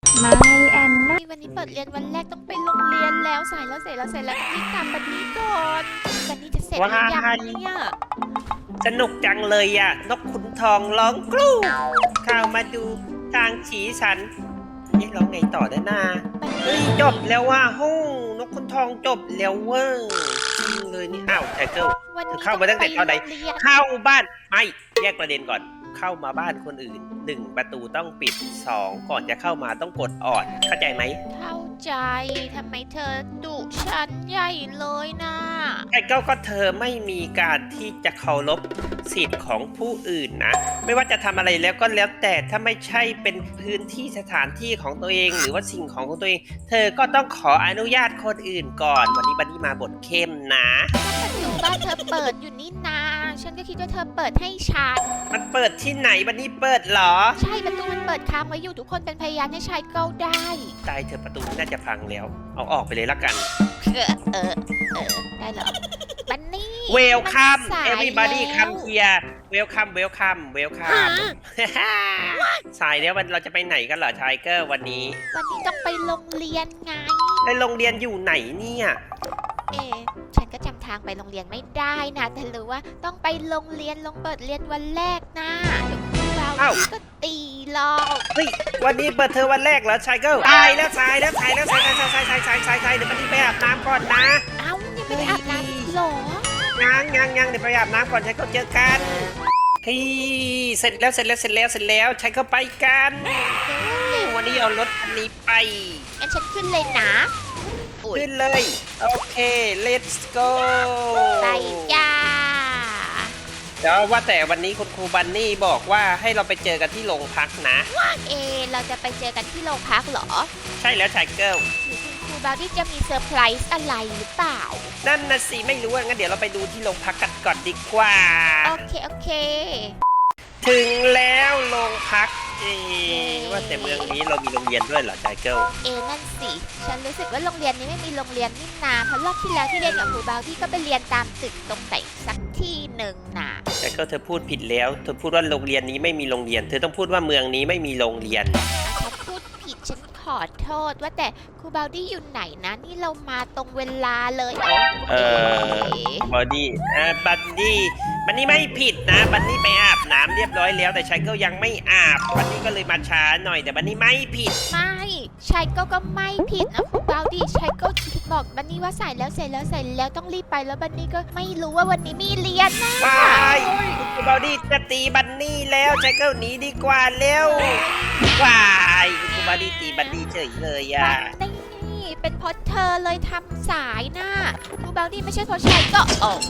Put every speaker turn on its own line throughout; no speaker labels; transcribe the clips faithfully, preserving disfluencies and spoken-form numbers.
ไม่แอนนา
วันนี้เปิดเรียนวันแรกต้องไปโรงเรียนแล้วสายแล้วเสร็จแล้วเสร็จแล้วต้องรีบตามบันนี้ก่อนบันนี้จะเสร็จหรือยังเนี่ย
สนุกจังเลยอ่ะนกขุนทองร้องกรูเข้ามาดูทางฉีสันนี่ร้องไงต่อได้นาเฮ้ยจบแล้วว่าฮู้นกขุนทองจบแล้วเว้ยจริงเลยนี่อ้าวไทเกิลเธอเข้ามาตั้งแต่ตอนไหนเข้าบ้านไม่แยกประเด็นก่อนเข้ามาบ้านคนอื่นหนึ่งประตูต้องปิดสองก่อนจะเข้ามาต้องกดออดเข้าใจไหม
เข้าใจทำไมเธอดุฉันใหญ่เลยนะ
ไอ้เก้าก็เธอไม่มีการที่จะเคารพสิทธิ์ของผู้อื่นนะไม่ว่าจะทำอะไรแล้วก็แล้วแต่ถ้าไม่ใช่เป็นพื้นที่สถานที่ของตัวเองหรือว่าสิ่งของของตัวเอง เธอก็ต้องขออนุญาตคนอื่นก่อนวันนี้บันนี่มาบทเข้มนะ
ประตูบ้านเธอเปิดอยู่นี่นาฉันก็คิดว่าเธอเปิดให้ฉัน
มันเปิดที่ไหนบันนี่เปิดเหรอ
ใช่ประตูมันเปิดค้างไว้อยู่ทุกคนเป็นพยานให้ชายเก้าได้
ตายเธอประตูน่าจะพังแล้วเอาออกไปเลยละกัน
เออเออเออได้เหรอบันนี่
เวลคัม everybody come here เวลคัมเวลคัมเวลคัมสายแล้วเราจะไปไหนกันเหรอไทเกอร์วันนี้
วันนี้ต้องไปโรงเรียนไง
ไปโรงเรียนอยู่ไหนเนี่ย
เอฉันก็จำทางไปโรงเรียนไม่ได้นะแต่รู้ว่าต้องไปโรงเรียนลงเปิดเรียนวันแรกนะเดี๋ยวครูเราก็ตีหรอก
เฮ้ยวันนี้เปิดเทอมวันแรกเหรอไทเกอร์ตายแล้วสายแล้วสายแล้วสายสายสายสายสายสายสายเดี๋ยวมันนี่ไปอาบน้ำก่อนนะ
เอ้ายังไม่ได้อาบน้ำหรอ
ยังยังยังเดี๋ยวไปอาบน้ำก่อนไทเกอร์เจอกันเฮ้ยเสร็จแล้วเสร็จแล้วเสร็จแล้วเสร็จแล้วใช้เข้าไปกันวันนี้เอารถคันนี้ไป
งั้นฉันขึ้นเลยนะ
ขึ้นเลยโอเค let's go
ไปจ้า
เดี๋ยวว่าแต่วันนี้คุณครูบันนี่บอกว่าให้เราไปเจอกันที่โรงพักนะ
เอเราจะไปเจอกันที่โรงพักเหรอ
ใช่แล้วชายเกิล
หรือคุณครูบาวดี้จะมีเซอร์ไพรส์อะไรหรือเปล่า
นั่นนะสิไม่รู้งั้นเดี๋ยวเราไปดูที่โรงพักกันก่อนดีกว่า
โอเคโอเค
ถึงแล้วโรงพักเอว่าแต่เมืองนี้เรามีโรงเรียนด้วยเหรอไจเกิล
เอนั่นสิฉันรู้สึกว่าโรงเรียนนี้ไม่มีโรงเรียนนี่นาเพราะรอบที่แล้วที่เรียนกับครูบาวที่ก็ไปเรียนตามตึกตรงไหนสักที่หนึ่งนะ
ไจเกิลเธอพูดผิดแล้วเธอพูดว่าโรงเรียนนี้ไม่มีโรงเรียนเธอต้องพูดว่าเมืองนี้ไม่มีโรงเรียน
ฉันพูดผิดฉันขอโทษว่าแต่ครูบาวดี้อยู่ไหนนะนี่เรามาตรงเวลาเลย
เออบาวดี้เออบันนี่บันนี่ไม่ผิดนะบันนี่ไปอาบน้ำเรียบร้อยแล้วแต่ชายเกิลยังไม่อาบบันนี่ก็เลยมาช้าหน่อยแต่บันนี่ไม่ผิด
ไม่ชายเกิลก็ไม่ผิดนะครูบาวดี้ชายเกิลบอกบันนี่ว่าใส่แล้วเสร็จแล้วใส่แล้วต้องรีบไปแล้วบันนี่ก็ไม่รู้ว่าวันนี้มีเรียนนะ
ไปครูบาวดี้จะตีบันนี่แล้วชายเกิลหนีดีกว่าเร็ววายครูบาวดี้ตีบันนี่เฉยเลยอ่ะ
นี่เป็นเพราะเธอเลยทำสายนะครูบาวดี้ไม่ใช่เพราะชายก็โอ้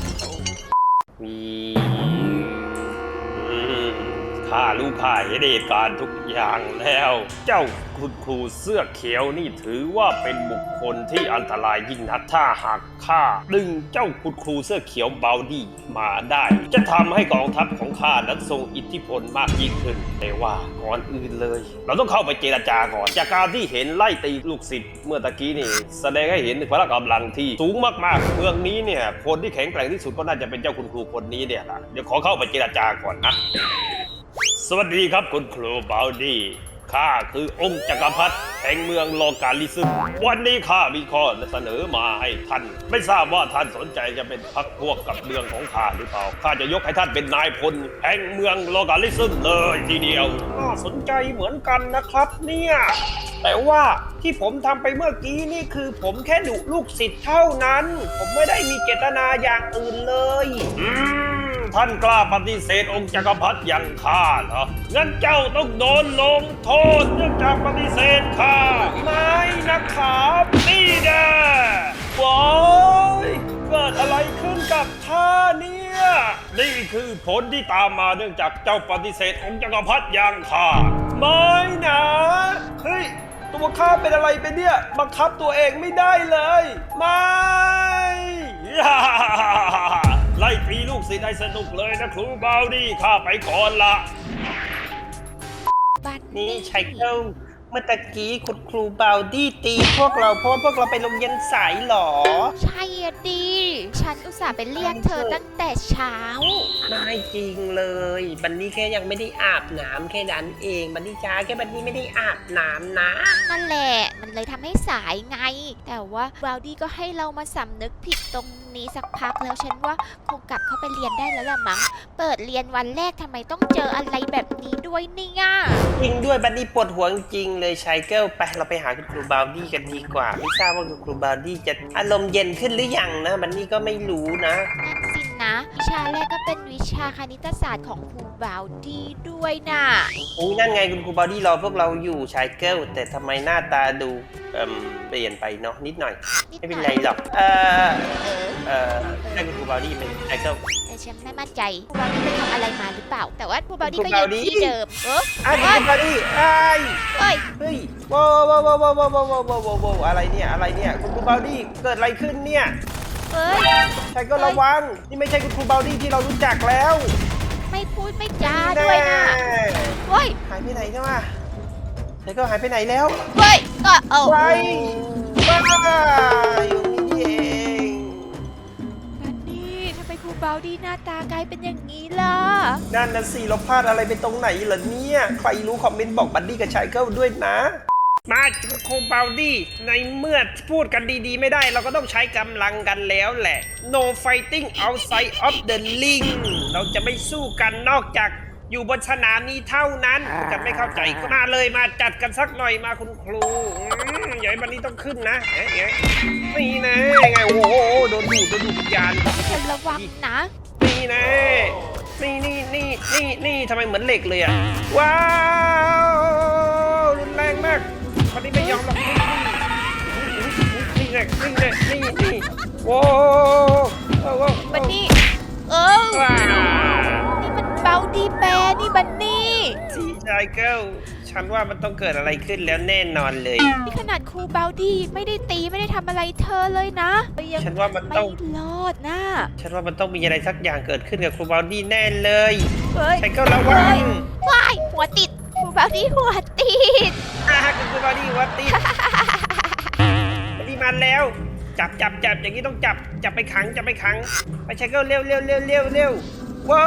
ข้ารู้ข้าเห็นเหตุการณ์ทุกอย่างแล้วเจ้าคุณครูเสื้อเขียวนี่ถือว่าเป็นบุคคลที่อันตรายยิ่งนักถ้าหากข้าดึงเจ้าคุณครูเสื้อเขียวบาวดี้มาได้จะทำให้กองทัพของข้านั้นทรงอิทธิพลมากยิ่งขึ้นแต่ว่าก่อนอื่นเลยเราต้องเข้าไปเจรจาก่อนจากการที่เห็นไล่ตีลูกศิษย์เมื่อตะกี้นี่แสดงให้เห็นถึงพละกำลังที่สูงมากๆเมืองนี้เนี่ยคนที่แข็งแกร่งที่สุดก็น่าจะเป็นเจ้าคุณครูคนนี้เนี่ยนะเดี๋ยวขอเข้าไปเจรจาก่อนนะสวัสดีครับคุณครูบาวดี้ข้าคือองค์จักรพรรดิแห่งเมืองโลกาลิซึมวันนี้ข้ามีข้อเสนอมาให้ท่านไม่ทราบว่าท่านสนใจจะเป็นพรรคพวกกับเมืองของข้าหรือเปล่าข้าจะยกให้ท่านเป็นนายพลแห่งเมืองโลกาลิซึมเลยทีเดียวน่าสนใจเหมือนกันนะครับเนี่ยแต่ว่าที่ผมทำไปเมื่อกี้นี่คือผมแค่ดุลูกศิษย์เท่านั้นผมไม่ได้มีเจตนาอย่างอื่นเลยอืมท่านกล้าปฏิเสธองค์จักรพรรดิอย่างข้าเหรองั้นเจ้าต้องโดนลงโทษเนื่องจากปฏิเสธข้าไม่นะครับนี่แน่ว้ายเกิดอะไรขึ้นกับข้าเนี่ยนี่คือผลที่ตามมาเนื่องจากเจ้าปฏิเสธองค์จักรพรรดิอย่างข้าไม่นะเฮ้ยตัวข้าเป็นอะไรไปเนี่ยบังคับตัวเองไม่ได้เลยไม่ไล่ตีลูกศิษย์ให้สนุกเลยนะครูบาวดี้ข้าไปก่อนละ
นี่ชายเกิลเมื่อตะกี้คุณครูบาวดี้ตีพวกเราเพราะว่าพวกเราไปโรงเรียนสายเหรอ
ใช่อะดี ฉันอุตส่าห์ไปเรียกเธอตั้งแต่เช้า
ไม่จริงเลยบันนี่แค่ยังไม่ได้อาบน้ำแค่นั้นเองบันนี่ช้าแค่บันนี่ไม่ได้อาบน้ำนะ
นั่นแหละ มันเลยทำให้สายไง แต่ว่าบราวดี้ก็ให้เรามาสำนึกผิดตรงนี้สักพักแล้วฉันว่าคงกลับเข้าไปเรียนได้แล้วล่ะมั้ง เปิดเรียนวันแรกทำไมต้องเจออะไรแบบนี้ด้วยเนี่ย
จริงด้วยบันนี่ปวดหัวจริงเลยชายเกิลไปเราไปหาคุณครูบาวดี้กันดีกว่า ไม่ทราบว่าคุณครูบาวดี้จะอารมณ์เย็นขึ้นหรือยังนะบันนี่ก็ไม่รู้นะ
นั่นสินะ วิชาแรกก็เป็นวิชาคณิตศาสตร์ของครูบราวดี้ด้วยน่ะ
อุ้ยนั่นไงคุณครูบาวดี้รอพวกเราอยู่ชายเกิลแต่ทำไมหน้าตาดูเอ่มเปลี่ยนไปเนาะนิดหน่อย
นิด
ไม่
ห
เป็น
น่
ไร
อย
หรอกเออ
เออ
เออใช่คุณครูบาวดี้ไหมชายเกิล
แต่ฉันไม่มั่นใจครูบราวดี้ไปทำอะไรมาหรือเปล่า แต่ว่าครูบราวดี้
ครู
ก็
บรา
ยั
ว
ง
ดี้
ที่เดิม เออ
อ่ะคุณครูบาวดี้ไอ้ย
เอ้ย
เฮ้ยว้าวว้าวว้าวว้าวว้าวว้าวว้าวว้าวว้าวอะไรเนี่ยอะไรเนี่ยคุณครูบาวดี้เกิดอะไรขึ้นเนี่ย
เอ้ย
ชายเกิลระวังนี่ไม่ใช่คุณครูบาวดี้ที่เรารู้จักแล้ว
ไม่พูดไม่จาด้วยนะเฮ้ย
หายไปไหนเนี่ยว่ะชายเกิลหายไปไหนแล้ว
เฮ้ย ก็เอา
ไปบ้าอยู่นี่เอง
นันนี่ทำไมครูบราวดี้หน้าตากลายเป็นอย่างนี้ล่ะ
นั่นนะสิเราพลาดอะไรไปตรงไหนเหรอเนี่ยใครรู้คอมเมนต์บอกบัดดี้กับชายเกิลด้วยนะ มาครูบาวดี้ในเมื่อพูดกันดีๆไม่ได้เราก็ต้องใช้กำลังกันแล้วแหละ no fighting outside of the ring เราจะไม่สู้กันนอกจากอยู่บนสนามนี้เท่านั้นจะไม่เข้าใจก็มาเลยมาจัดกันสักหน่อยมาคุณครูอืมอย่าให้บันนี้ต้องขึ้นนะเอ๊ะเอ๊ะนี่นะไงโอ้โหโดนดูดโดนดูดวิญญาณ
เธอระวังนะ
นี่นะนี่นี่นี่นี่นี่ทำไมเหมือนเหล็กเลยอ่ะว้าวรุนแรงมากคนนี้ไม่ยอมหรอกนี่นี่นี่นี่นี่นี่โว้โว้โว้
บันนี่ เออ
ว้า
นี่มันบราวดี้แบร์นี่บันนี่
สีชายเกิลฉันว่ามันต้องเกิดอะไรขึ้นแล้วแน่นอนเลย
นี่ขนาดครูบราวดี้ไม่ได้ตีไม่ได้ทำอะไรเธอเลยนะยัง
ฉันว่ามัน
ไม่
ต้อง
รอดนะ
ฉันว่ามันต้องมีอะไรสักอย่างเกิดขึ้นกับครูบาวดี้แน่เลย
เฮ้ย
ชายเกิลระวัง
ว้ายหัวติดครูบราวดี้หัวติด
อ่าคุณครูบาวดี้วัดตีบาวดี้มาแล้ว จับจับจับอย่างนี้ต้องจับจับไปขังจับไปขังไปชายเกิลเร็วเร็วเร็วเร็วเร็วว้าว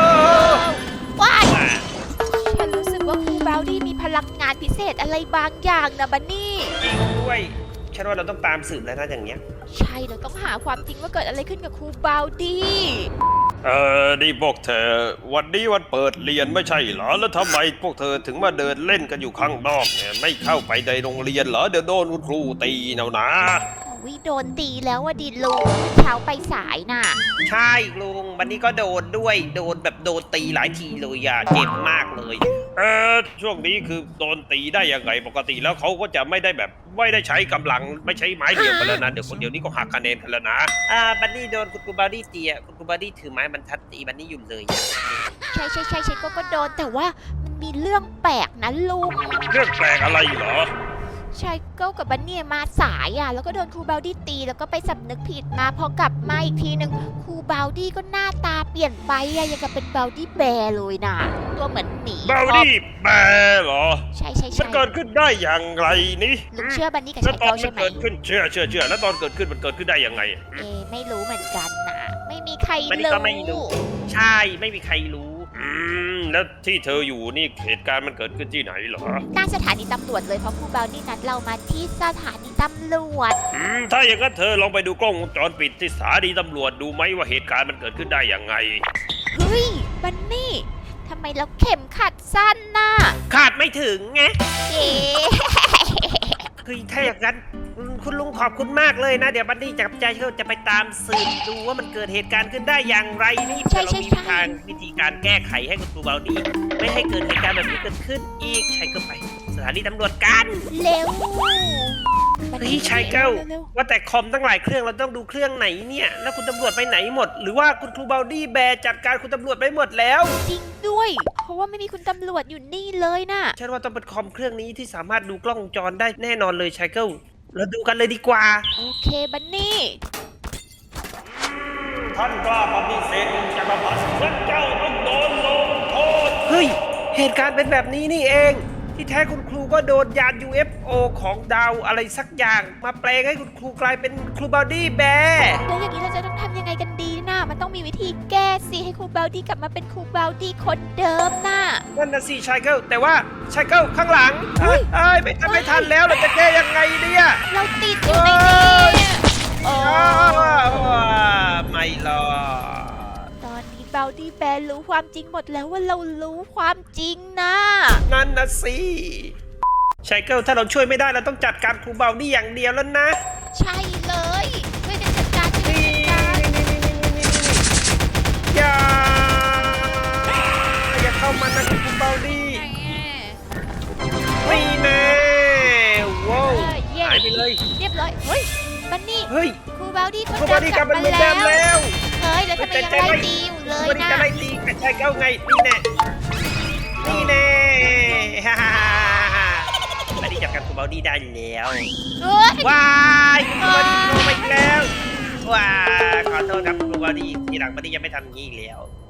ว้าย
อ่า
ฉันรู้สึกว่าครูบราวดี้มีพลังงานพิเศษอะไรบางอย่างนะบันนี่
จริงด้วยฉันว่าเราต้องตามสืบแล้วนะอย่างเนี้ย
ใช่เราต้องหาความจริงว่าเกิดอะไรขึ้นกับครูบราวดี้
เออนี่พวกเธอวันนี้วันเปิดเรียนไม่ใช่เหรอแล้วทำไมพวกเธอถึงมาเดินเล่นกันอยู่ข้างนอกเนี่ยไม่เข้าไปในโรงเรียนเหรอเดี๋ยวโดนคุณครูตีเอานะ
วิโดนตีแล้วว่าดิลุงเช้าไปสายน่ะ
ใช่ลุงวันนี้ก็โดนด้วยโดนแบบโดนตีหลายทีเลยอ่ะเจ็บมากเลย
เออช่วงนี้คือโดนตีได้ยังไงปกติแล้วเขาก็จะไม่ได้แบบไม่ได้ใช้กำลังไม่ใช้ไม้เดียวกันแล้วนะเดี๋ยวคนเดียวนี้ก็หักคะแนนกันแล้วนะ
อ่าบันนี่โดนคุณครูบาวดี้ตีอ่ะคุณครูบาวดี้ถือไม้บรรทัดตีบันนี่อยู่เลยอะ
ใช่ใช่ใช่ฉันก็ก็โดนแต่ว่ามันมีเรื่องแปลกนะลุง
เรื่องแปลกอะไรเหรอ
ชายเก้ากับบันเนี่ยมาสายอ่ะแล้วก็โดนครูบาวดี้ตีแล้วก็ไปสำนึกผิดมาพอกลับมาอีกทีหนึ่งครูบาวดี้ก็หน้าตาเปลี่ยนไปอ่ะยังกับเป็นบาวดี้แบร์เลยนะตัวเหมือนหมี
บาวดี้แปลเหรอ
ใช่ใช่
มัน
ใช่
เกิดขึ้นได้อย่างไรนี่
ลุงเชื่อบันนี่กับ
แล้ว
ชาย
ตอน
เก้า
มั
ใช่
น
ไหม
เกิดขึ้นเชื่อเชื่อเชื่อแล้วตอนเกิดขึ้นมันเกิดขึ้นได้ยังไง
เอไม่รู้เหมือนกันนะไม่มีใคร
บันนี่ก็ไม่รู้ ใช่ไม่มีใครรู้
อืมแล้วที่เธออยู่นี่เหตุการณ์มันเกิดขึ้นที่ไหนเหรอ
หน้าสถานีตำรวจเลยเพราะครูบาวดี้นัดเรามาที่สถานีตำรวจ
อืมถ้าอย่างนั้นเธอลองไปดูกล้องวงจรปิดที่สถานีตำรวจดูไหมว่าเหตุการณ์มันเกิดขึ้นได้ยังไง
เฮ้ยบันนี่ทำไมเราเข็มขัดสั้นน่ะ
ขาดไม่ถึงไง
เก๋
คือถ้าอย่างนั้นอืมคุณลุงขอบคุณมากเลยนะ เดี๋ยวบันนี่กับใจเขาจะไปตามสืบดูว่ามันเกิดเหตุการณ์ขึ้นได้อย่างไรนี่เพื่อเรามีทางวิธีการแก้ไขให้คุณครูบาวดี้ไม่ให้เกิดเหตุการณ์แบบนี้เกิดขึ้นอีกใช้ก็ไปสถานีตำรวจกัน
เร็ว
เฮ้ยชายเก้า
ร็ว
ว่าแต่คอมตั้งหลายเครื่องเราต้องดูเครื่องไหนเนี่ยแล้วคุณตำรวจไปไหนหมด หรือว่าคุณครูบาวดี้แบร์จัดการคุณตำรวจไปหมดแล้ว
จริงด้วย เพราะว่าไม่มีคุณตำรวจอยู่นี่เลยน่ะ
ฉันว่าต้องเป็นคอมเครื่องนี้ที่สามารถดูกล้องวงจรได้แน่นอนเลยชายเก้าเราดูกันเลยดีกว่า
โอเคบันนี่
ท่านกล้าปฏิเสธจักรพรรดิงั้นเจ้าต้องโดนลงโทษ
เฮ้ยเหตุการณ์เป็นแบบนี้นี่เอง ที่ที่แท้คุณครูก็โดนยาน ยู เอฟ โอ ของดาวอะไรสักอย่าง มาแปลงให้คุณครูกลายเป็นครูบาวดี้แบร์
แล้วอย่างนี้เราจะต้องทำยังไงกันดีนะมันต้องมีวิธีแก้สิให้ครูบาวดี้กลับมาเป็นครูบาวดี้คนเดิมน่ะ
นั่นนะสิชายเกิลแต่ว่าชายเกิลข้างหลัง
เฮ้
เอ้
ย
ยไม่ทันไม่ทันแล้วเราจะแก้ยังไงเนี่ย
เราติดอยู่ในนี้โอ้
อ้าวไม่รอด
ตอนนี้บาวดี้แบร์รู้ความจริงหมดแล้วว่าเรารู้ความจริงนะ
นั่นนะสิชายเกิลถ้าเราช่วยไม่ได้เราต้องจัดการครูบาวดี้อย่างเดียวแล้วนะ
ใช่เลยช่วยกันจัดการช่วย
นี่
กันจัดการ
อย่าอย่าเข้ามานะครูบาวดี้นี่แน่ว้าว
เออเย่
หายไปเลย
เรียบร้อยเฮ้ยบันนี่
เฮ้ย
ครูบาวดี้คน
ครู
เดิ
บาว
ม
ดี้
ก
ก
ลั
ลั
บบ
มา
มา
เหมือนเดิม
แล้ว
แล้ว
เฮ้ยแล้วทำไมยังไล่ตีอยู่เล
ครู
ย
บาวดี้
นะ
จะไล่ตีกับชายเก้าไงนี่แน่นี่แน่ฮ่าฮ่าฮ่าไม่ได้จับกับครูบาวดี้ได้แล้ว
เฮ้ย
ว้ายครูบาวดี้โดนไปอีกแล้วว้าขอโทษครับครูบาวดี้ทีหลังบาวดี้ยังไม่ทำอย่างนี้อีกแล้ว